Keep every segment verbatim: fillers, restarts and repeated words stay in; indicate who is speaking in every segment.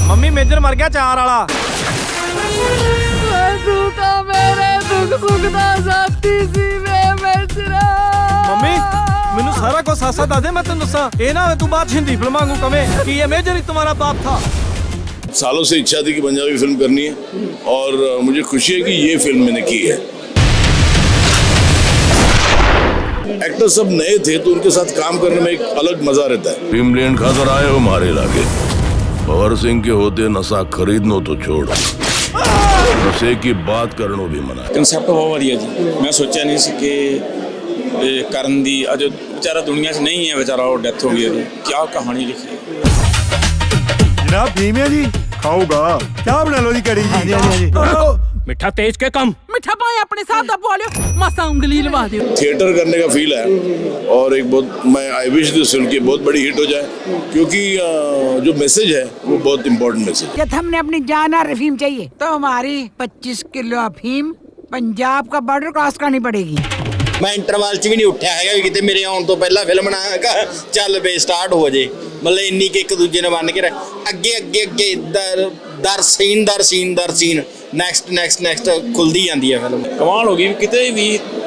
Speaker 1: Mummy major ਮਰ ਗਿਆ ਚਾਰ ਵਾਲਾ।
Speaker 2: ਤੂੰ ਤਾਂ ਮੇਰੇ ਦੁੱਖ ਸੁੱਖ ਦਾ ਸਾਥੀ ਸੀ ਵੇ ਮੇਜਰਾ।
Speaker 1: ਮੰਮੀ ਮੈਨੂੰ ਸਾਰਾ ਕੁਝ ਸਾਸਾ ਦੱਸ ਦੇ, ਮੈਂ ਤੈਨੂੰ ਦੱਸਾਂ। ਇਹ ਨਾ ਤੂੰ ਬਾਤ ਹਿੰਦੀ ਫਿल्मां को कवे कि ये मेजर ही तुम्हारा बाप था।
Speaker 3: सालों से इच्छा थी कि पंजाबी फिल्म करनी है और मुझे खुशी है कि ये फिल्म मैंने की है। एक्टर सब नए थे तो उनके साथ काम करने में एक अलग मजा रहता है। भीमलैंड खाकर आए हो हमारे इलाके, भवर सिंह के होते नशा खरीदनो तो छोड़, नशे की बात करनो भी मना।
Speaker 4: कंसेप्ट बहुत वधिया जी, मैं सोचा नहीं सी कि ਕਰਨ ਦੀ ਅਜੇ ਵਿਚਾਰਾ ਦੁਨੀਆ 'ਚ ਨਹੀਂ ਹੈ, ਵਿਚਾਰਾ ਉਹ ਡੈਥ ਹੋ ਗਈ ਉਹਦੀ। ਕੀ ਕਹਾਣੀ ਲਿਖੀ ਹੈ
Speaker 5: ਜਨਾਬ। ਭੀਮ ਹੈ ਜੀ, ਖਾਊਗਾ ਚਾਹ ਬਣਾ ਲਓ ਜੀ ਕੜੀ ਜੀ।
Speaker 1: मिठा तेज के कम
Speaker 2: मिठा पाए अपने साथ दा बोलियो, मासा उंगली लगा दियो।
Speaker 3: थिएटर करने का फील है और एक बहुत मैं आई विश दिस फिल्म की बहुत बड़ी हिट हो जाए, क्योंकि जो मैसेज है वो बहुत इंपॉर्टेंट मैसेज है।
Speaker 2: जब हमने अपनी जान और अफीम चाहिए तो हमारी पच्चीस किलो अफीम पंजाब का बॉर्डर क्रॉस करनी पड़ेगी।
Speaker 6: मैं इंटरवल च भी नहीं उठा है कि किते मेरे आने तो पहला फिल्म ना चल पे स्टार्ट हो जाए, मतलब इन्नी के एक दूजे ने बन के अगे अगे अगे दर दर सीन दर सीन दर सीन नैक्सट नैक्सट नैक्सट खुलदी जाती है फिल्म।
Speaker 4: कमाल हो गई, किते भी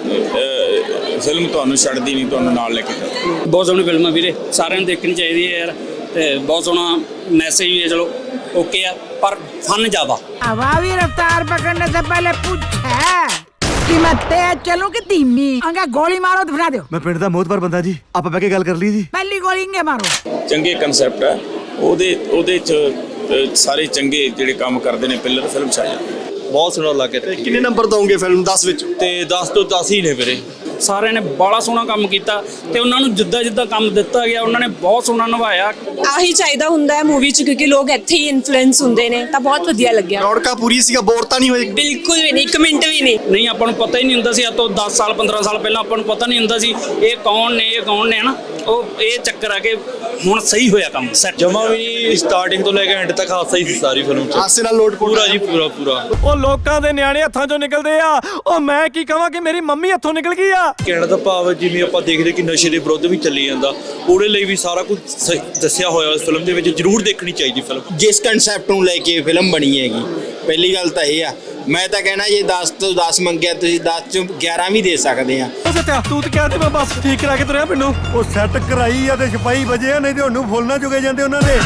Speaker 4: फिल्म ਤੁਹਾਨੂੰ ਛੱਡਦੀ ਨਹੀਂ, ਤੁਹਾਨੂੰ ਨਾਲ ਲੈ ਕੇ ਚੱਲਦੀ।
Speaker 7: ਬਹੁਤ ਸੋਹਣੀ ਫਿਲਮ ਆ ਵੀਰੇ, ਸਾਰਿਆਂ ਨੂੰ ਦੇਖਣੀ ਚਾਹੀਦੀ ਹੈ ਯਾਰ, ਤੇ ਬਹੁਤ ਸੋਹਣਾ ਮੈਸੇਜ ਵੀ ਹੈ। ਚਲੋ ਓਕੇ ਆ, ਪਰ ਫਨ ਜ਼ਿਆਦਾ।
Speaker 2: हवावी रफ्तार पकड़ने से पहले पूछे कि मैं तेज चलूं कि धीमी। अंगा गोली मारो तो बना दो।
Speaker 5: ਮੈਂ ਪਿੰਡ ਦਾ ਮੋਹਤਬਰ ਬੰਦਾ ਜੀ, ਆਪਾਂ ਬਹਿ ਕੇ ਗੱਲ ਕਰ ਲਈ ਜੀ।
Speaker 2: पहली गोली इंगे मारो।
Speaker 4: ਚੰਗੇ ਕਨਸੈਪਟ ਹੈ ਉਹਦੇ ਉਹਦੇ 'ਚ ਅ, ਸਾਰੇ ਚੰਗੇ ਜਿਹੜੇ ਕੰਮ ਕਰਦੇ ਨੇ ਪਿੱਲਰ ਫਿਲਮ 'ਚ ਆ ਜਾਂਦੇ।
Speaker 8: ਬਹੁਤ ਸੋਹਣਾ ਲੱਗ ਰਿਹਾ।
Speaker 5: ਕਿੰਨੇ ਨੰਬਰ ਦੋਗੇ ਫਿਲਮ ਦਸ ਵਿੱਚ?
Speaker 8: ਤੇ ਦਸ ਤੋਂ ਦਸ ਹੀ ਨੇ ਵੀਰੇ।
Speaker 7: ਸਾਰਿਆਂ ਨੇ ਬੜਾ ਸੋਹਣਾ ਕੰਮ ਕੀਤਾ ਤੇ ਉਹਨਾਂ ਨੂੰ ਜਿੱਦਾਂ ਜਿੱਦਾਂ ਕੰਮ ਦਿੱਤਾ ਗਿਆ ਉਹਨਾਂ ਨੇ ਬਹੁਤ ਸੋਹਣਾ ਨਿਭਾਇਆ।
Speaker 9: ਆਹੀ ਚਾਹੀਦਾ ਹੁੰਦਾ ਹੈ ਮੂਵੀ 'ਚ, ਕਿਉਂਕਿ ਲੋਕ ਇੱਥੇ ਹੀ ਇਨਫਲੂਐਂਸ ਹੁੰਦੇ ਨੇ, ਤਾਂ ਬਹੁਤ ਵਧੀਆ ਲੱਗਿਆ।
Speaker 5: ਰੌਣਕਾਂ ਪੂਰੀ ਸੀਗਾ, ਬੋਰ ਤਾਂ ਨਹੀਂ ਹੋਈ?
Speaker 9: ਬਿਲਕੁਲ ਵੀ ਨਹੀਂ, ਇੱਕ ਮਿੰਟ ਵੀ ਨਹੀਂ।
Speaker 7: ਨਹੀਂ, ਆਪਾਂ ਨੂੰ ਪਤਾ ਹੀ ਨਹੀਂ ਹੁੰਦਾ ਸੀ। ਅੱਜ ਤੋਂ ਦਸ ਸਾਲ ਪੰਦਰਾਂ ਸਾਲ ਪਹਿਲਾਂ ਆਪਾਂ ਨੂੰ ਪਤਾ ਨਹੀਂ ਹੁੰਦਾ ਸੀ ਇਹ ਕੌਣ ਨੇ ਇਹ ਕੌਣ ਨੇ ਹਨਾ। ਉਹ ਇਹ ਚੱਕਰ ਆ ਕਿ ਹੁਣ ਸਹੀ ਹੋਇਆ ਕੰਮ ਸੈੱਟ।
Speaker 8: ਜਮਾ ਵੀ ਨਹੀਂ, ਸਟਾਰਟਿੰਗ ਤੋਂ ਲੈ ਕੇ ਐਂਡ ਤੱਕ ਹਾਸਾ ਹੀ ਸੀ ਸਾਰੀ ਫਿਲਮ 'ਚ।
Speaker 5: ਹਾਸੇ ਨਾਲ ਲੋਟ
Speaker 8: ਪੂਰਾ ਜੀ ਪੂਰਾ ਪੂਰਾ।
Speaker 1: ਉਹ ਲੋਕਾਂ ਦੇ ਨਿਆਣੇ ਹੱਥਾਂ ਚੋਂ ਨਿਕਲਦੇ ਆ, ਉਹ ਮੈਂ ਕੀ ਕਹਾਂ ਕਿ ਮੇਰੀ ਮੰਮੀ ਹੱਥੋਂ ਨਿਕਲ ਗਈ ਆ।
Speaker 8: ਕਹਿਣ ਦਾ ਭਾਵ ਜਿਵੇਂ ਆਪਾਂ ਦੇਖਦੇ ਕਿ ਨਸ਼ੇ ਦੇ ਵਿਰੁੱਧ ਵੀ ਚੱਲੀ ਜਾਂਦਾ, ਉਹਦੇ ਲਈ ਵੀ ਸਾਰਾ ਕੁਝ ਦੱਸਿਆ ਹੋਇਆ ਇਸ ਫਿਲਮ ਦੇ ਵਿੱਚ। ਜ਼ਰੂਰ ਦੇਖਣੀ ਚਾਹੀਦੀ ਫਿਲਮ।
Speaker 6: ਜਿਸ ਕਨਸੈਪਟ ਨੂੰ ਲੈ ਕੇ ਫਿਲਮ ਬਣੀ ਹੈਗੀ, ਪਹਿਲੀ ਗੱਲ ਤਾਂ ਇਹ ਆ, ਮੈਂ ਤਾਂ ਕਹਿਣਾ ਜੇ ਦਸ ਤੋਂ ਦਸ ਮੰਗਿਆ ਤੁਸੀਂ ਦਸ ਚੋਂ ਗਿਆਰਾਂ ਵੀ ਦੇ ਸਕਦੇ ਆ।
Speaker 1: ਸੱਤਿਆ ਤੂੰ ਤੇ ਕਿਹਾ ਤੇ ਮੈਂ ਬਸ ਠੀਕ ਕਰਾ ਕੇ ਤੁਰਿਆ ਪਿੰਡੋਂ।
Speaker 5: ਉਹ ਸੈੱਟ ਕਰਾਈ ਆ ਤੇ ਛਪਾਈ ਵਜੇ ਆ, ਨਹੀਂ ਤੇ ਉਹਨੂੰ ਫੁੱਲ ਨਾ ਚੁਗੇ ਜਾਂਦੇ ਉਹਨਾਂ ਦੇ।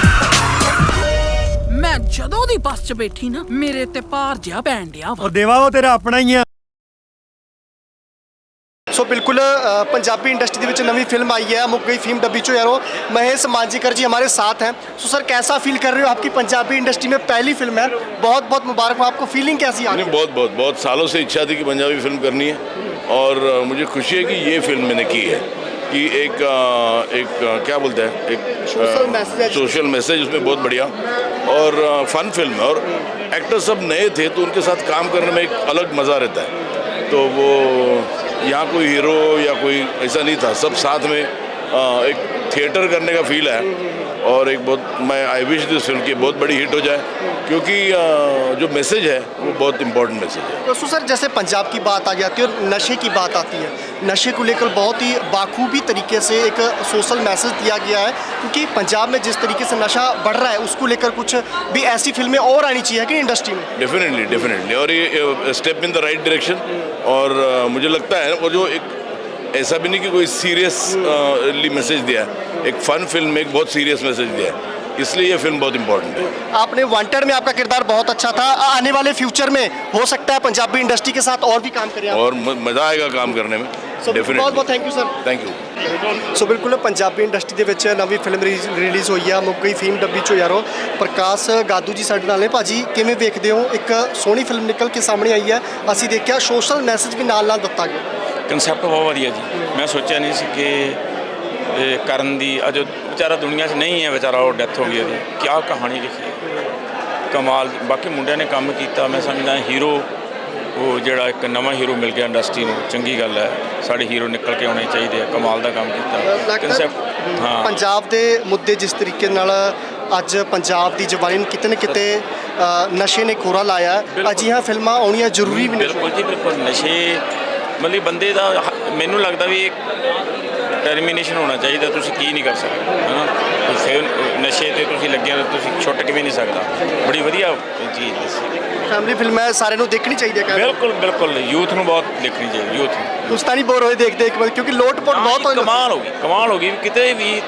Speaker 2: मैं जदों दी बस च बैठी ना मेरे ते भार जिहा पैण डिया वा।
Speaker 5: ਉਹ ਦੇਵਾ ਉਹ ਤੇਰਾ ਆਪਣਾ ਹੀ ਆ। ਸੋ ਬਿਲकुल पंजाबी इंडस्ट्री ਦੇ ਵਿੱਚ ਨਵੀਂ ਫਿल्म आई है मुक गई फिल्म डब्बी चो यारो। महेश मांजीकर जी हमारे साथ हैं। सो सर कैसा फील कर रहे हो? आपकी पंजाबी इंडस्ट्री में पहली फिल्म है, बहुत बहुत मुबारक हो आपको। फीलिंग कैसी आ रही है?
Speaker 3: बहुत बहुत बहुत सालों से इच्छा थी कि पंजाबी फिल्म करनी है और मुझे खुशी है कि ये फिल्म मैंने की है। कि एक एक क्या बोलते हैं, एक
Speaker 5: सोशल मैसेज
Speaker 3: सोशल मैसेज उसमें बहुत बढ़िया और फन फिल्म है। और एक्टर सब नए थे तो उनके साथ काम करने में एक अलग मज़ा रहता है। तो वो यहाँ कोई हीरो या कोई ऐसा नहीं था, सब साथ में एक थिएटर करने का फील है और एक बहुत मैं आई विश दिस फिल्म की बहुत बड़ी हिट हो जाए, क्योंकि जो मैसेज है वो बहुत इंपॉर्टेंट मैसेज है।
Speaker 5: तो सर जैसे पंजाब की बात आ जाती है और नशे की बात आती है, नशे को लेकर बहुत ही बाखूबी तरीके से एक सोशल मैसेज दिया गया है, क्योंकि पंजाब में जिस तरीके से नशा बढ़ रहा है उसको लेकर कुछ भी ऐसी फिल्में और आनी चाहिए कि इंडस्ट्री में।
Speaker 3: डेफिनेटली डेफिनेटली और ये step in the right direction. और मुझे लगता है वो जो एक ऐसा भी नहीं कि कोई सीरियसली मैसेज दिया है, एक फन फिल्म में एक बहुत सीरियस मैसेज दिया है, इसलिए ये फिल्म बहुत इंपॉर्टेंट है।
Speaker 5: आपने वांटेड में आपका किरदार बहुत अच्छा था, आने वाले फ्यूचर में हो सकता है पंजाबी इंडस्ट्री के साथ और भी काम करें आप?
Speaker 3: और मज़ा आएगा काम करने में। डेफिनेटली
Speaker 5: बहुत बहुत thank you sir.
Speaker 3: Thank you.
Speaker 5: So ਬਿਲਕੁਲ ਪੰਜਾਬੀ ਇੰਡਸਟਰੀ ਦੇ ਵਿੱਚ ਨਵੀਂ ਫਿਲਮ ਰਿਲੀਜ਼ ਹੋਈ ਆ ਮੁੱਕ ਗਈ ਫਿਲਮ ਡੱਬੀ ਚੋ ਯਾਰੋ। ਪ੍ਰਕਾਸ਼ ਗਾਦੂ ਜੀ ਸਾਡੇ ਨਾਲ ਨੇ। ਭਾਜੀ ਕਿਵੇਂ ਵੇਖਦੇ ਹੋ, ਇੱਕ ਸੋਹਣੀ ਫਿਲਮ ਨਿਕਲ ਕੇ ਸਾਹਮਣੇ ਆਈ ਹੈ, ਅਸੀਂ ਦੇਖਿਆ ਸੋਸ਼ਲ ਮੈਸੇਜ ਵੀ ਨਾਲ ਨਾਲ ਦਿੱਤਾ ਗਿਆ।
Speaker 4: ਕਨਸੈਪਟ ਬਹੁਤ ਵਧੀਆ ਜੀ, ਮੈਂ ਸੋਚਿਆ ਨਹੀਂ ਸੀ ਕਿ ਇਹ ਕਰਨ ਦੀ ਅਜੇ ਵਿਚਾਰਾ ਦੁਨੀਆ 'ਚ ਨਹੀਂ ਹੈ, ਵਿਚਾਰਾ ਉਹ ਡੈਥ ਹੋ ਗਈ ਉਹਦੀ। ਕੀ ਕਹਾਣੀ ਲਿਖੀ ਹੈ ਕਮਾਲ। ਬਾਕੀ ਮੁੰਡਿਆਂ ਨੇ ਕੰਮ ਕੀਤਾ, ਮੈਂ ਸਮਝਦਾ ਹੀਰੋ ਉਹ ਜਿਹੜਾ ਇੱਕ ਨਵਾਂ ਹੀਰੋ ਮਿਲ ਗਿਆ ਇੰਡਸਟਰੀ ਨੂੰ, ਚੰਗੀ ਗੱਲ ਹੈ। ਸਾਡੇ ਹੀਰੋ ਨਿਕਲ ਕੇ ਆਉਣੇ ਚਾਹੀਦੇ ਆ, ਕਮਾਲ ਦਾ ਕੰਮ ਕੀਤਾ ਕਨਸੈਪਟ। ਹਾਂ,
Speaker 5: ਪੰਜਾਬ ਦੇ ਮੁੱਦੇ ਜਿਸ ਤਰੀਕੇ ਨਾਲ ਅੱਜ ਪੰਜਾਬ ਦੀ ਜਵਾਨੀ ਨੂੰ ਕਿਤੇ ਨਾ ਕਿਤੇ ਨਸ਼ੇ ਨੇ ਖੋਰਾ ਲਾਇਆ, ਅਜਿਹੀਆਂ ਫਿਲਮਾਂ ਆਉਣੀਆਂ ਜ਼ਰੂਰੀ ਵੀ ਨੇ।
Speaker 4: ਬਿਲਕੁਲ ਜੀ ਬਿਲਕੁਲ। ਨਸ਼ੇ ਮਤਲਬ ਬੰਦੇ ਦਾ ਮੈਨੂੰ ਲੱਗਦਾ ਵੀ ਡਿਟਰਮੀਨੇਸ਼ਨ ਹੋਣਾ ਚਾਹੀਦਾ, ਤੁਸੀਂ ਕੀ ਨਹੀਂ ਕਰ ਸਕਦੇ ਹੈ ਨਾ। ਫਿਰ ਨਸ਼ੇ ਤੇ ਤੁਸੀਂ ਲੱਗਿਆ ਤਾਂ ਤੁਸੀਂ ਛੁੱਟ ਕਿਵੇਂ ਨਹੀਂ ਸਕਦਾ। ਬੜੀ ਵਧੀਆ ਚੀਜ਼ ਦੱਸੀ।
Speaker 5: ਫੈਮਿਲੀ ਫਿਲਮ ਹੈ, ਸਾਰਿਆਂ ਨੂੰ ਦੇਖਣੀ ਚਾਹੀਦੀ ਹੈ।
Speaker 4: ਬਿਲਕੁਲ ਬਿਲਕੁਲ ਯੂਥ ਨੂੰ ਬਹੁਤ ਦੇਖਣੀ ਚਾਹੀਦੀ, ਯੂਥ ਨੂੰ।
Speaker 5: ਤੁਸੀਂ ਤਾਂ ਨਹੀਂ ਬੋਰ ਹੋਏ ਦੇਖਦੇ ਇੱਕ ਵਾਰ, ਕਿਉਂਕਿ ਲੋਟ-ਪੋਟ ਬਹੁਤ ਹੋਈ।
Speaker 4: ਕਮਾਲ ਹੋ ਗਈ, ਕਮਾਲ ਹੋ ਗਈ। ਕਿਤੇ ਵੀ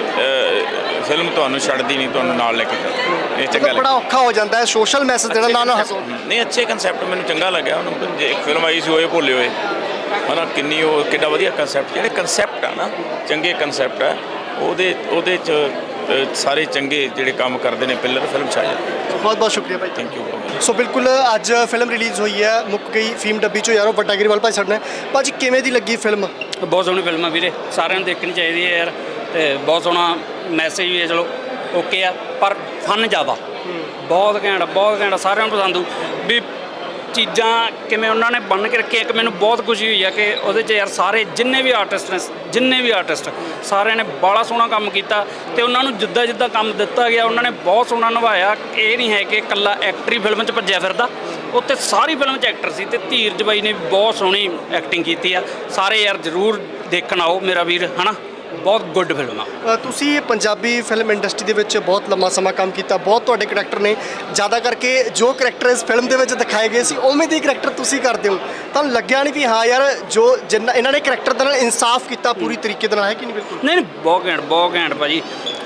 Speaker 4: ਫਿਲਮ ਤੁਹਾਨੂੰ ਛੱਡਦੀ ਨਹੀਂ, ਤੁਹਾਨੂੰ ਨਾਲ ਲੈ ਕੇ ਜਾਂਦੀ। ਇਹ ਚੰਗਾ
Speaker 5: ਬੜਾ ਔਖਾ ਹੋ ਜਾਂਦਾ ਹੈ ਸੋਸ਼ਲ ਮੈਸੇਜ ਦੇਣਾ ਨਾ ਨਾ ਹੱਸੋ।
Speaker 4: ਨਹੀਂ, ਅੱਛੇ ਕੰਸੈਪਟ ਮੈਨੂੰ ਚੰਗਾ ਲੱਗਿਆ। ਉਹਨੂੰ ਜੇ ਇੱਕ ਫਿਲਮ ਆਈ ਸੀ ਹੋਏ ਭੁੱਲੇ ਹੋਏ ਹਨਾ, ਕਿੰਨੀ ਉਹ ਕਿੱਡਾ ਵਧੀਆ ਕੰਸੈਪਟ। ਜਿਹੜੇ ਕੰਸੈਪਟ ਆ ਨਾ ਚੰਗੇ ਕੰਸੈਪਟ ਆ, ਉਹਦੇ ਉਹਦੇ 'ਚ ਅ, ਸਾਰੇ ਚੰਗੇ ਜਿਹੜੇ ਕੰਮ ਕਰਦੇ ਨੇ ਪਿੱਲਰ ਫਿਲਮ 'ਚ ਆ ਜਾਂਦੇ।
Speaker 5: ਬਹੁਤ ਬਹੁਤ ਸ਼ੁਕਰੀਆ ਭਾਈ,
Speaker 4: ਥੈਂਕ ਯੂ।
Speaker 5: ਸੋ ਬਿਲਕੁਲ ਅੱਜ ਫਿਲਮ ਰਿਲੀਜ਼ ਹੋਈ ਹੈ ਮੁੱਕ ਗਈ ਫੀਮ ਡੱਬੀ ਚੋਂ ਯਾਰੋ, ਵੱਡਾ ਗਰੀਵਾਲ ਭਾਈ ਸਾਡੇ ਨੇ। ਭਾਜੀ ਕਿਵੇਂ ਦੀ ਲੱਗੀ ਫਿਲਮ?
Speaker 7: ਬਹੁਤ ਸੋਹਣੀ ਫਿਲਮ ਆ ਵੀਰੇ, ਸਾਰਿਆਂ ਨੂੰ ਦੇਖਣੀ ਚਾਹੀਦੀ ਹੈ ਯਾਰ। ਤੇ ਬਹੁਤ ਸੋਹਣਾ ਮੈਸੇਜ ਵੀ ਹੈ, ਚਲੋ ਓਕੇ ਆ, ਪਰ ਫਨ ਜ਼ਿਆਦਾ ਬਹੁਤ ਘੈਂਟ, ਬਹੁਤ ਘੈਂਟ, ਸਾਰਿਆਂ ਨੂੰ ਪਸੰਦ ਆਊ। ਵੀ ਚੀਜ਼ਾਂ ਕਿਵੇਂ ਉਹਨਾਂ ਨੇ ਬੰਨ੍ਹ ਕੇ ਰੱਖੀਆਂ। ਇੱਕ ਮੈਨੂੰ ਬਹੁਤ ਖੁਸ਼ੀ ਹੋਈ ਆ ਕਿ ਉਹਦੇ 'ਚ ਯਾਰ ਸਾਰੇ ਜਿੰਨੇ ਵੀ ਆਰਟਿਸਟ ਨੇ, ਜਿੰਨੇ ਵੀ ਆਰਟਿਸਟ ਸਾਰਿਆਂ ਨੇ ਬੜਾ ਸੋਹਣਾ ਕੰਮ ਕੀਤਾ ਤੇ ਉਹਨਾਂ ਨੂੰ ਜਿੱਦਾਂ ਜਿੱਦਾਂ ਕੰਮ ਦਿੱਤਾ ਗਿਆ ਉਹਨਾਂ ਨੇ ਬਹੁਤ ਸੋਹਣਾ ਨਿਭਾਇਆ। ਇਹ ਨਹੀਂ ਹੈ ਕਿ ਇਕੱਲਾ ਐਕਟਰ ਹੀ ਫਿਲਮ 'ਚ ਭੱਜਿਆ ਫਿਰਦਾ, ਉੱਥੇ ਸਾਰੀ ਫਿਲਮ 'ਚ ਐਕਟਰ ਸੀ। ਤੇ ਧੀਰਜ ਬਾਈ ਨੇ ਬਹੁਤ ਸੋਹਣੀ ਐਕਟਿੰਗ ਕੀਤੀ ਆ। ਸਾਰੇ ਯਾਰ ਜ਼ਰੂਰ ਦੇਖਣ ਆਓ ਮੇਰਾ ਵੀਰ, ਹੈ ਨਾ। ਬਹੁਤ ਗੁੱਡ ਫਿਲਮ ਆ।
Speaker 5: ਅ, ਤੁਸੀਂ ਪੰਜਾਬੀ ਫਿਲਮ ਇੰਡਸਟਰੀ ਦੇ ਵਿੱਚ ਬਹੁਤ ਲੰਮਾ ਸਮਾਂ ਕੰਮ ਕੀਤਾ, ਬਹੁਤ ਤੁਹਾਡੇ ਕਰੈਕਟਰ ਨੇ। ਜ਼ਿਆਦਾ ਕਰਕੇ ਜੋ ਕਰੈਕਟਰ ਇਸ ਫਿਲਮ ਦੇ ਵਿੱਚ ਦਿਖਾਏ ਗਏ ਸੀ ਉਵੇਂ ਦੇ ਕਰੈਕਟਰ ਤੁਸੀਂ ਕਰਦੇ ਹੋ। ਤੁਹਾਨੂੰ ਲੱਗਿਆ ਨਹੀਂ ਵੀ ਹਾਂ ਯਾਰ ਜੋ ਜਿੰਨਾ ਇਹਨਾਂ ਨੇ ਕਰੈਕਟਰ ਦੇ ਨਾਲ ਇਨਸਾਫ ਕੀਤਾ ਪੂਰੀ ਤਰੀਕੇ ਦੇ ਨਾਲ, ਹੈ ਕਿ ਨਹੀਂ? ਬਿਲਕੁਲ
Speaker 7: ਨਹੀਂ ਨਹੀਂ, ਬਹੁਤ ਘੈਂਟ, ਬਹੁਤ ਘੈਂਟ ਭਾਜੀ।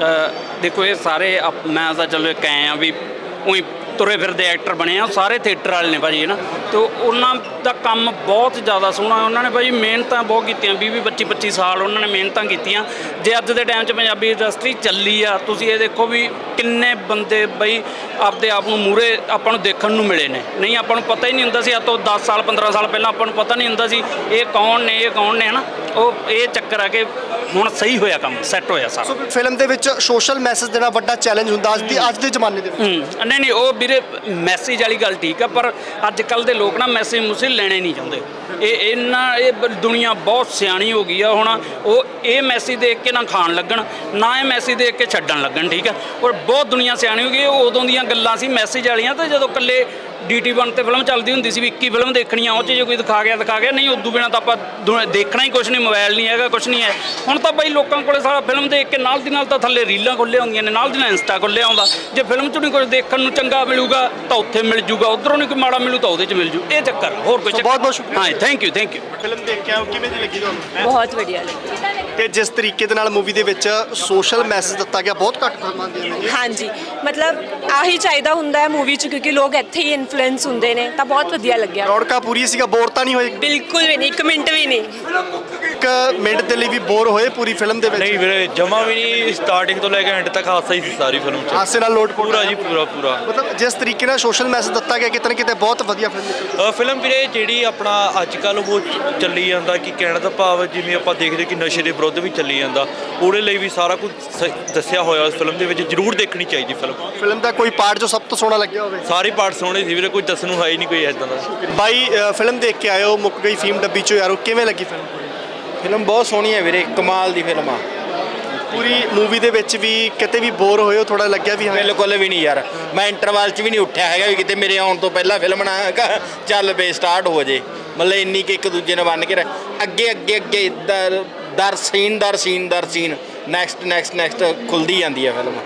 Speaker 7: ਅ, ਦੇਖੋ ਇਹ ਸਾਰੇ ਆਪ- ਮੈਂ ਤਾਂ ਚਲੋ ਇੱਕ ਐਂ ਆ ਵੀ ਉਹੀ ਤੁਰੇ ਫਿਰਦੇ ਐਕਟਰ ਬਣੇ ਆ, ਸਾਰੇ ਥੀਏਟਰ ਵਾਲੇ ਨੇ ਭਾਜੀ, ਹੈ ਨਾ। ਅਤੇ ਉਹਨਾਂ ਦਾ ਕੰਮ ਬਹੁਤ ਜ਼ਿਆਦਾ ਸੋਹਣਾ। ਉਹਨਾਂ ਨੇ ਭਾਜੀ ਮਿਹਨਤਾਂ ਬਹੁਤ ਕੀਤੀਆਂ, ਵੀਹ ਵੀਹ ਪੱਚੀ ਪੱਚੀ ਸਾਲ ਉਹਨਾਂ ਨੇ ਮਿਹਨਤਾਂ ਕੀਤੀਆਂ। ਜੇ ਅੱਜ ਦੇ ਟਾਈਮ 'ਚ ਪੰਜਾਬੀ ਇੰਡਸਟਰੀ ਚੱਲੀ ਆ, ਤੁਸੀਂ ਇਹ ਦੇਖੋ ਵੀ ਕਿੰਨੇ ਬੰਦੇ ਬਈ ਆਪਦੇ ਆਪ ਨੂੰ ਮੂਹਰੇ ਆਪਾਂ ਨੂੰ ਦੇਖਣ ਨੂੰ ਮਿਲੇ ਨੇ। ਨਹੀਂ ਆਪਾਂ ਨੂੰ ਪਤਾ ਹੀ ਨਹੀਂ ਹੁੰਦਾ ਸੀ, ਅੱਜ ਤੋਂ ਦਸ ਸਾਲ ਪੰਦਰਾਂ ਸਾਲ ਪਹਿਲਾਂ ਆਪਾਂ ਨੂੰ ਪਤਾ ਨਹੀਂ ਹੁੰਦਾ ਸੀ ਇਹ ਕੌਣ ਨੇ, ਇਹ ਕੌਣ ਨੇ, ਹੈ ਨਾ। ਉਹ ਇਹ ਚੱਕਰ ਆ ਕਿ ਹੁਣ ਸਹੀ ਹੋਇਆ, ਕੰਮ ਸੈੱਟ ਹੋਇਆ ਸਾਰਾ।
Speaker 5: ਸੋ ਫਿਲਮ ਦੇ ਵਿੱਚ ਸੋਸ਼ਲ ਮੈਸੇਜ ਦੇਣਾ ਵੱਡਾ ਚੈਲੰਜ ਹੁੰਦਾ ਅੱਜ ਦੀ ਅੱਜ ਦੇ ਜ਼ਮਾਨੇ ਦੇ ਵਿੱਚ।
Speaker 7: ਹੂੰ, ਨਹੀਂ ਨਹੀਂ, ਉਹ ਵੀਰੇ ਮੈਸੇਜ ਵਾਲੀ ਗੱਲ ਠੀਕ ਆ, ਪਰ ਅੱਜ ਕੱਲ੍ਹ ਦੇ ਲੋਕ ਨਾ ਮੈਸੇਜ ਮੁਸੇ ਲੈਣੇ ਨਹੀਂ ਚਾਹੁੰਦੇ। ਇਹ ਇਹਨਾਂ ਇਹ ਬ- ਦੁਨੀਆ ਬਹੁਤ ਸਿਆਣੀ ਹੋ ਗਈ ਆ ਹੁਣ। ਉਹ ਇਹ ਮੈਸੇਜ ਦੇਖ ਕੇ ਨਾ ਖਾਣ ਲੱਗਣ, ਨਾ ਇਹ ਮੈਸੇਜ ਦੇਖ ਕੇ ਛੱਡਣ ਲੱਗਣ, ਠੀਕ ਆ। ਔਰ ਬਹੁਤ ਦੁਨੀਆ ਸਿਆਣੀ ਹੋ ਗਈ। ਉਹ ਉਦੋਂ ਦੀਆਂ ਗੱਲਾਂ ਸੀ ਮੈਸੇਜ ਵਾਲੀਆਂ, ਤਾਂ ਜਦੋਂ ਇਕੱਲੇ ਡੀ ਟੀ ਵਨ 'ਤੇ ਫਿਲਮ ਚੱਲਦੀ ਹੁੰਦੀ ਸੀ ਵੀ ਇੱਕੀ ਫਿਲਮ ਦੇਖਣੀ ਆ, ਉਹ 'ਚ ਜੇ ਕੋਈ ਦਿਖਾ ਗਿਆ ਦਿਖਾ ਗਿਆ, ਨਹੀਂ ਉਦੋਂ ਬਿਨਾਂ ਤਾਂ ਆਪਾਂ ਦੁ- ਦੇਖਣਾ ਹੀ ਕੁਛ ਨਹੀਂ। ਮੋਬਾਈਲ ਨਹੀਂ ਹੈਗਾ, ਕੁਛ ਨਹੀਂ ਹੈ। ਹੁਣ ਤਾਂ ਬਈ ਲੋਕਾਂ ਕੋਲੇ ਸਾਰਾ ਫਿਲਮ ਦੇਖ ਕੇ ਨਾਲ ਦੀ ਨਾਲ ਤਾਂ ਥੱਲੇ ਰੀਲਾਂ ਖੁੱਲ੍ਹੀਆਂ ਹੁੰਦੀਆਂ ਨੇ, ਨਾਲ ਦੀ ਨਾਲ ਇੰਸਟਾ ਖੁੱਲ੍ਹਿਆ ਹੁੰਦਾ। ਜੇ ਫਿਲਮ 'ਚ ਨਹੀਂ ਕੁਝ ਦੇਖਣ ਨੂੰ ਚੰਗਾ ਮਿਲੂਗਾ ਤਾਂ ਉੱਥੇ ਮਿਲ ਜੂਗਾ, ਉੱਧਰੋਂ ਨਹੀਂ ਕੋਈ ਮਾੜਾ ਮਿਲੂ ਤਾਂ ਉਹਦੇ 'ਚ ਮਿਲ ਜੂ। ਇਹ ਚੱਕਰ ਆ, ਹੋਰ ਕੋਈ ਚੱਕਰ।
Speaker 5: ਬਹੁਤ ਬਹੁਤ ਸ਼ੁਕਰੀਆ।
Speaker 7: ਹਾਂ, thank you thank you.
Speaker 5: Film ਦੇਖ ਕੇ ਆਓ, ਕਿਵੇਂ ਦੀ ਲੱਗੀ ਤੁਹਾਨੂੰ?
Speaker 9: ਬਹੁਤ ਵਧੀਆ ਲੱਗੀ।
Speaker 5: ਤੇ ਜਿਸ ਤਰੀਕੇ ਦੇ ਨਾਲ ਮੂਵੀ ਦੇ ਵਿੱਚ ਸੋਸ਼ਲ ਮੈਸੇਜ ਦਿੱਤਾ ਗਿਆ, ਬਹੁਤ ਘੱਟ ਫਿਲਮਾਂ ਦੀਆਂ ਨੇ।
Speaker 9: ਹਾਂਜੀ, ਮਤਲਬ ਆਹੀ ਚਾਹੀਦਾ ਹੁੰਦਾ ਹੈ ਮੂਵੀ 'ਚ, ਕਿਉਂਕਿ ਲੋਕ ਇੱਥੇ ਹੀ ਇਨਫਲੂਐਂਸ ਹੁੰਦੇ ਨੇ, ਤਾਂ ਬਹੁਤ ਵਧੀਆ ਲੱਗਿਆ।
Speaker 5: ਰੌਣਕਾਂ ਪੂਰੀ ਸੀਗਾ, ਬੋਰ ਤਾਂ ਨਹੀਂ ਹੋਏ?
Speaker 9: ਬਿਲਕੁਲ ਵੀ ਨਹੀਂ, ਇੱਕ ਮਿੰਟ ਵੀ ਨਹੀਂ।
Speaker 5: ਇੱਕ ਮਿੰਟ ਦੇ ਲਈ ਵੀ ਬੋਰ ਹੋਏ ਪੂਰੀ ਫਿਲਮ ਦੇ ਵਿੱਚ?
Speaker 8: ਨਹੀਂ ਵੀਰੇ, ਜਮਾ ਵੀ ਨਹੀਂ। ਸਟਾਰਟਿੰਗ ਤੋਂ ਲੈ ਕੇ ਐਂਡ ਤੱਕ ਹਾਸਾ ਹੀ ਸੀ ਸਾਰੀ ਫਿਲਮ 'ਚ।
Speaker 5: ਹਾਸੇ ਨਾਲ ਲੋਟ
Speaker 8: ਪੂਰਾ ਜੀ, ਪੂਰਾ ਪੂਰਾ।
Speaker 5: ਮਤਲਬ ਜਿਸ ਤਰੀਕੇ ਨਾਲ ਸੋਸ਼ਲ ਮੈਸੇਜ ਦਿੱਤਾ ਗਿਆ, ਕਿਤੇ ਨਾ ਕਿਤੇ ਬਹੁਤ ਵਧੀਆ ਫਿਲਮ ਨਿਕਲੀ।
Speaker 8: ਅ, ਫਿਲਮ ਵੀਰੇ ਜਿਹੜੀ ਆਪਣਾ ਅੱਜ ਕੱਲ੍ਹ ਉਹ ਚੱਲੀ ਜਾਂਦਾ ਕਿ ਕਹਿਣ ਦਾ ਭਾਵ ਜਿਵੇਂ ਆਪਾਂ ਦੇਖਦੇ ਕਿ ਨਸ਼ੇ ਦੇ ਵਿਰੁੱਧ ਵੀ ਚੱਲੀ ਜਾਂਦਾ, ਉਹਦੇ ਲਈ ਵੀ ਸਾਰਾ ਕੁਝ ਸ- ਦੱਸਿਆ ਹੋਇਆ ਉਸ ਫਿਲਮ ਦੇ ਵਿੱਚ। ਜ਼ਰੂਰ ਦੇਖਣੀ ਚਾਹੀਦੀ ਫਿਲਮ।
Speaker 5: ਫਿਲਮ ਦਾ ਕੋਈ ਪਾਰਟ ਜੋ ਸਭ ਤੋਂ ਸੋਹਣਾ ਲੱਗਿਆ ਹੋਵੇ?
Speaker 8: ਸਾਰੇ ਪਾਰਟ ਸੋਹਣੇ ਸੀ ਵੀਰੇ, ਕੋਈ ਦੱਸਣ ਨੂੰ ਹੈ ਹੀ ਨਹੀਂ ਕੋਈ ਇੱਦਾਂ ਦਾ।
Speaker 5: ਬਾਈ ਅ, ਫਿਲਮ ਦੇਖ ਕੇ ਆਇਓ ਮੁੱਕ ਗਈ ਫੀਮ ਡੱਬੀ ਚੋਂ ਯਾਰੋ, ਕਿਵੇਂ ਲੱਗੀ ਫਿਲਮ?
Speaker 6: ਫਿਲਮ ਬਹੁਤ ਸੋਹਣੀ ਹੈ ਵੀਰੇ, ਕਮਾਲ ਦੀ ਫਿਲਮ ਆ।
Speaker 5: ਪੂਰੀ ਮੂਵੀ ਦੇ ਵਿੱਚ ਵੀ ਕਿਤੇ ਵੀ ਬੋਰ ਹੋਏ ਹੋ? ਥੋੜਾ ਲੱਗਿਆ ਵੀ ਹਾਂ?
Speaker 6: ਬਿਲਕੁਲ ਵੀ ਨਹੀਂ ਯਾਰ, ਮੈਂ ਇੰਟਰਵਲ 'ਚ ਵੀ ਨਹੀਂ ਉੱਠਿਆ ਹੈਗਾ ਵੀ ਕਿਤੇ ਮੇਰੇ ਆਉਣ ਤੋਂ ਪਹਿਲਾਂ ਫਿਲਮ ਨਾ ਚੱਲ ਬੇ ਸਟਾਰਟ ਹੋ ਜੇ। ਮਤਲਬ ਇੰਨੀ ਕਿ ਇੱਕ ਦੂਜੇ ਨੂੰ ਬੰਨ੍ਹ ਕੇ ਰੱਖ- ਅੱਗੇ ਅੱਗੇ ਅੱਗੇ ਦਰ ਦਰ ਸੀਨ ਦਰ ਸੀਨ ਦਰ ਸੀਨ ਨੈਕਸਟ ਨੈਕਸਟ ਨੈਕਸਟ ਖੁੱਲਦੀ ਜਾਂਦੀ ਹੈ ਫਿਲਮ।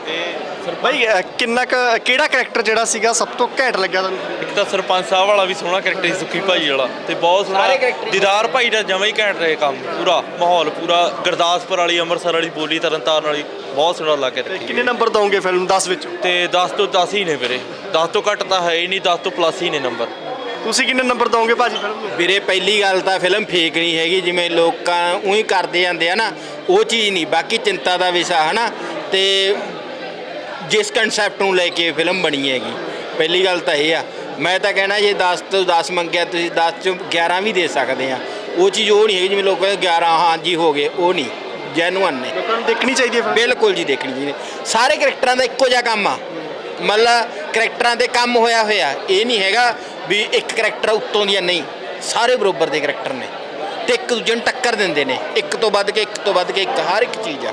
Speaker 5: ਬਾਈ ਅ, ਕਿੰਨਾ ਕੁ ਕਿਹੜਾ ਕਰੈਕਟਰ ਜਿਹੜਾ ਸੀਗਾ ਸਭ ਤੋਂ ਘੈਂਟ ਲੱਗਿਆ ਤੁਹਾਨੂੰ?
Speaker 8: ਇੱਕ ਤਾਂ ਸਰਪੰਚ ਸਾਹਿਬ ਵਾਲਾ ਵੀ ਸੋਹਣਾ ਕਰੈਕਟਰ ਸੀ, ਸੁੱਖੀ ਭਾਈ ਵਾਲਾ, ਤੇ ਬਹੁਤ ਸੋਹਣਾ ਦੀਦਾਰ ਭਾਈ ਦਾ ਜਮਾਂ ਹੀ ਘੈਂਟ ਰਹੇ ਕੰਮ। ਪੂਰਾ ਮਾਹੌਲ, ਪੂਰਾ ਗੁਰਦਾਸਪੁਰ ਵਾਲੀ, ਅੰਮ੍ਰਿਤਸਰ ਵਾਲੀ ਬੋਲੀ, ਤਰਨਤਾਰਨ ਵਾਲੀ, ਬਹੁਤ ਸੋਹਣਾ ਲੱਗ
Speaker 5: ਤੇ
Speaker 8: ਰਿਹਾ।
Speaker 5: ਕਿੰਨੇ ਨੰਬਰ ਦਵੋਗੇ ਫਿਲਮ ਦਸ ਵਿੱਚੋਂ?
Speaker 8: ਤੇ ਦਸ ਤੋਂ ਦਸ ਹੀ ਨੇ ਵੀਰੇ, ਦਸ ਤੋਂ ਘੱਟ ਤਾਂ ਹੈ ਹੀ ਨਹੀਂ, ਦਸ ਤੋਂ ਪਲੱਸ ਹੀ ਨੇ ਨੰਬਰ।
Speaker 5: ਤੁਸੀਂ ਕਿੰਨੇ ਨੰਬਰ ਦਵੋਗੇ ਭਾਜੀ ਫਿਲਮ ਨੂੰ?
Speaker 6: ਵੀਰੇ ਪਹਿਲੀ ਗੱਲ ਤਾਂ ਫਿਲਮ ਫੇਕ ਨਹੀਂ ਹੈਗੀ, ਜਿਵੇਂ ਲੋਕਾਂ ਉਹੀ ਕਰਦੇ ਜਾਂਦੇ ਆ ਨਾ, ਉਹ ਚੀਜ਼ ਨਹੀਂ। ਬਾਕੀ ਚਿੰਤਾ ਦਾ ਵਿਸ਼ਾ ਹੈ ਨਾ, ਤੇ ਜਿਸ ਕਨਸੈਪਟ ਨੂੰ ਲੈ ਕੇ ਫਿਲਮ ਬਣੀ ਹੈਗੀ, ਪਹਿਲੀ ਗੱਲ ਤਾਂ ਇਹ ਆ। ਮੈਂ ਤਾਂ ਕਹਿਣਾ ਜੇ ਦਸ ਤੋਂ ਦਸ ਮੰਗਿਆ ਤੁਸੀਂ ਦਸ ਚੋਂ ਗਿਆਰਾਂ ਵੀ ਦੇ ਸਕਦੇ ਆ। ਉਹ ਚੀਜ਼ ਉਹ ਨਹੀਂ ਹੈਗੀ ਜਿਵੇਂ ਲੋਕ ਕਹਿੰਦੇ ਗਿਆਰਾਂ ਹਾਂਜੀ ਹੋ ਗਏ, ਉਹ ਨਹੀਂ, ਜੈਨੂਅਨ ਨੇ।
Speaker 5: ਲੋਕਾਂ ਨੂੰ ਦੇਖਣੀ ਚਾਹੀਦੀ ਹੈ ਫਿਲਮ?
Speaker 6: ਬਿਲਕੁਲ ਜੀ, ਦੇਖਣੀ ਚਾਹੀਦੀ। ਸਾਰੇ ਕਰੈਕਟਰਾਂ ਦਾ ਇੱਕੋ ਜਿਹਾ ਕੰਮ ਆ, ਮਤਲਬ ਕਰੈਕਟਰਾਂ ਦੇ ਕੰਮ ਹੋਇਆ ਹੋਇਆ। ਇਹ ਨਹੀਂ ਹੈਗਾ ਵੀ ਇੱਕ ਕਰੈਕਟਰ ਉੱਤੋਂ ਦੀਆਂ, ਨਹੀਂ, ਸਾਰੇ ਬਰਾਬਰ ਦੇ ਕਰੈਕਟਰ ਨੇ ਤੇ ਇੱਕ ਦੂਜੇ ਨੂੰ ਟੱਕਰ ਦਿੰਦੇ ਨੇ, ਇੱਕ ਤੋਂ ਵੱਧ ਕੇ ਇੱਕ ਤੋਂ ਵੱਧ ਕੇ ਇੱਕ, ਹਰ ਇੱਕ ਚੀਜ਼ ਆ।